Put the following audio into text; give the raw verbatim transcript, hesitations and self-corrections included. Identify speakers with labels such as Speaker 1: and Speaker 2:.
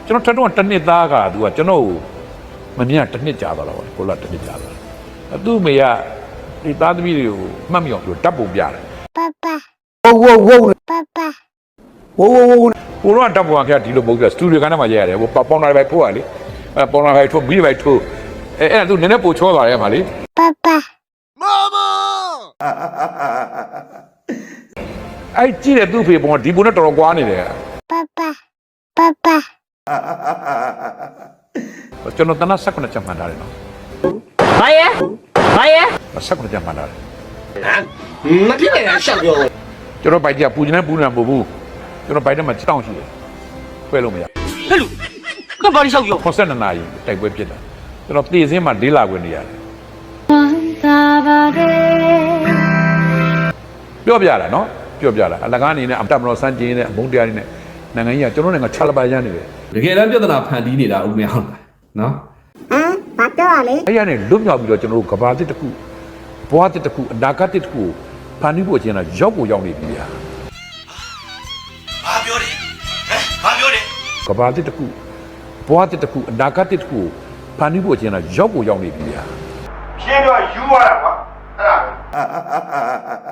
Speaker 1: ကျွန်တော်ထက်တော့တစ်နှစ်သားကသူကကျွန်တော်မမြင်တစ်နှစ်ကြာသွားတော့ကိုလာတစ်နှစ်ကြာသွားသူ့မေကဒီသားသမီးတွေကိုမှတ်မိအောင်သူတပ်ပုံပြတယ်
Speaker 2: 爸爸
Speaker 3: ဝုတ်ဝုတ်ဝုတ်
Speaker 2: 爸爸
Speaker 3: ဝုတ်ဝုတ်ဝုတ်
Speaker 1: ကိုတော့တပ်ပုံကဒီလိုမဟုတ်ဘူးစတူဒီယိုကနေမှရဲရတယ်ဟိုပေါင်လာပဲထိုးရလေအဲပေါင်လာပဲထိုးပြီးပဲထိုးအဲအဲ့ဒါသူနည်းနည်းပိုချောသွားတယ်မှာလေ
Speaker 2: 爸爸
Speaker 1: အဲ့ကြည့်တဲ့သူ့ဖေပုံကဒီပုံနဲ့တော်တော်ကွာနေတယ်
Speaker 2: 爸爸爸爸
Speaker 1: ကျွန်တော်တနက်ဆက်ခုနှစ်ချက်မှန်ထားတယ်နော်
Speaker 4: ဘာရဲ့ဘာရဲ့
Speaker 1: ဆက်ခုနှစ်ချက်မှန်ထားတယ်
Speaker 4: ဟမ်မဖြစ်နိုင်တာရှောက်ပြော
Speaker 1: ကျွန်တော်ဘိုက်ကြီးပူနေပူနေမဟုတ်ဘူးကျွန်တော်ဘိုက်ထဲမှာတောင်းရှိတယ်ခွဲလို့မရ
Speaker 4: ဟဲ့လူကဘာလို့ရှောက်ပြော
Speaker 1: ခွန်ဆက်နှစ်နာရီတိုက်ပွဲဖြစ်တာကျွန်တော်တေစင်းမှာလေးလာခွင့်နေရတယ်ပြောပြလာနော်ပြောပြလာအလကားအနေနဲ့အတမတော်စမ်းကျင်းတဲ့အမုန်းတရားတွေနဲ့နိုင်ငံကြီးကကျွန်တော်နိုင်ငံချလာပါရမ်းနေတယ်
Speaker 3: တကယ်တမ်းပြဿနာဖန်တီးနေတာဦးမင်းအောင်နော်
Speaker 2: ဟမ်ဘာပြောရလဲ
Speaker 1: အဲ့ရနဲ့လွတ်မြောက်ပြီးတော့ကျွန်တော်တို့ကဘာတစ်တစ်ခုဘွားတစ်တစ်ခုအနာဂတ်တစ်တစ်ခုဖန်တီးဖို့အချင်းကရောက်ကိုရောက်နေပြီဗျာ
Speaker 4: ဘာပြောတယ်ဟမ်ဘာပြောတယ်
Speaker 1: ကဘာတစ်တစ်ခုဘွားတစ်တစ်ခုအနာဂတ်တစ်တစ်ခုဖန်တီးဖို့အချင်းကရောက်ကိုရောက်နေပြီဗျာ
Speaker 5: ရှင်းတော့ယူရတာကွာအဲ့ဒါ